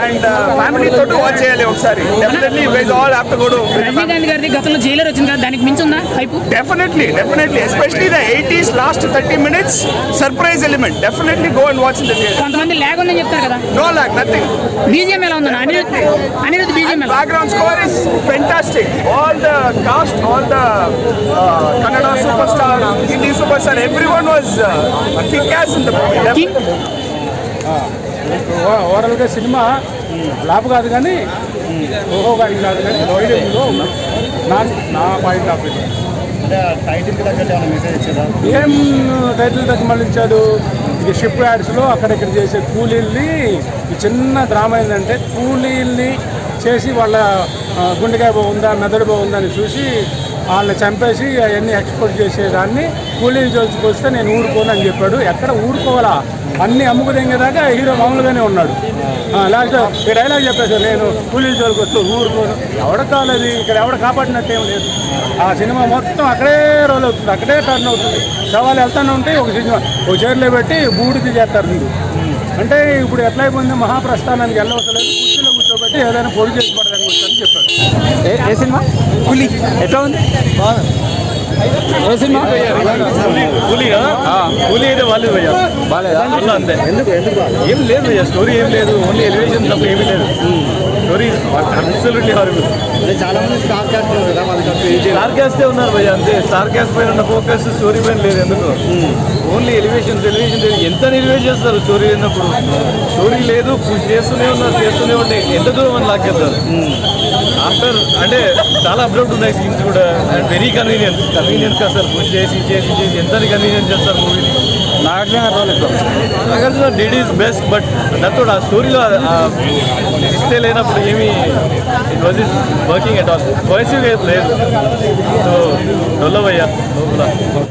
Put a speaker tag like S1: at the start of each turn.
S1: And family తోటి watch చేయాలి ఒకసారి. Definitely you guys all have to go to.
S2: Rajinikanth గారి గతంలో జైలర్ వచ్చింది కదా, దానికి మించి ఉందా hype?
S1: Definitely especially the 80s last 30 minutes surprise element. Definitely go and watch in the theatre.
S2: కొంతమంది లాగ్ ఉందని చెప్తారు కదా.
S1: No lag, nothing.
S2: బీజిఎం ఎలా ఉందన్న? అనిరుద్ధ్ బీజిఎం ఎలా?
S1: Background score is fantastic. All the cast, all the Kannada super star, Hindi super star, everyone was kick as in the movie.
S3: ఓవరాల్గా సినిమా flop కాదు కానీ ఓహో కానీ కాదు కానీ వైడింగ్లో నా పాయింట్ ఆఫ్ వ్యూ. ఏం టైటిల్ దగ్గర మళ్ళీ ఇచ్చాడు. ఇది షిప్ యాడ్స్లో అక్కడెక్కడ చేసే కూలీల్ని, ఈ చిన్న డ్రామా ఏంటంటే కూలీల్ని చేసి వాళ్ళ గుండెకాయ బాగుందా మెదడు బాగుందా అని చూసి వాళ్ళని చంపేసి అవన్నీ ఎక్స్పోర్ట్ చేసేదాన్ని కూలీలు చూసుకొస్తే నేను ఊరుకోను అని చెప్పాడు. ఎక్కడ ఊరుకోవాలా, అన్నీ అమ్ముకుదేదాకా హీరో మామూలుగానే ఉన్నాడు. లాస్ట్ ఈ డైలాగ్ చెప్పేసి నేను కూలీలు జోలికి వస్తూ ఊరుకోను. ఎవడ కాలేదు ఇక్కడ, ఎవడ కాపాడినట్టేం లేదు. ఆ సినిమా మొత్తం అక్కడే రోల్ అవుతుంది, అక్కడే టర్న్ అవుతుంది. సవాళ్ళు వెళ్తానే ఉంటే ఒక సినిమా ఒక చైర్లో పెట్టి బూడిది చేస్తారు మీరు. అంటే ఇప్పుడు ఎట్లా అయిపోయింది, మహాప్రస్థానానికి వెళ్ళవసలేదు, కుర్చీలో కూర్చోబెట్టి ఏదైనా పొడి చేసి పడదని వచ్చని చెప్పాడు.
S4: ఏ సినిమా? కూలీ ఎట్లా ఉంది? ఏ సినిమా?
S5: కూలీ అయితే బాగాలేదు భయ్యా, బాగాలేదా? అంతే. ఏం లేదు భయ్యా, స్టోరీ ఏం లేదు, ఓన్లీ ఎలివేషన్ తప్ప ఏమీ లేదు. Story absolutely horrible.
S4: చాలా మంది స్టార్
S5: క్యాస్టే ఉన్నారు భయ్యా, అంతే. స్టార్ క్యాస్ట్ పైన ఉన్న ఫోకస్ స్టోరీ పైన లేదు. ఎందుకు? ఓన్లీ ఎలివేషన్ ఎంత ఎలివేట్ చేస్తారు స్టోరీ లేనప్పుడు. స్టోరీ లేదు, పుష్ చేస్తూనే ఉండే ఎంత దూరం అని లాక్కేస్తారు. ఆఫ్టర్ అంటే చాలా అప్లోడ్ ఉన్నాయి సీన్స్ కూడా. And very convenience sir, push చేసి ఎంత కన్వీనియన్స్ చేస్తారు మూవీని. Nagarjuna did his best, but దాంతో ఆ స్టోరీలో ఇస్తే లేనప్పుడు ఏమీ it was is working at all. Cohesive లేదు. సో డొల్లవయ్యా లోపల.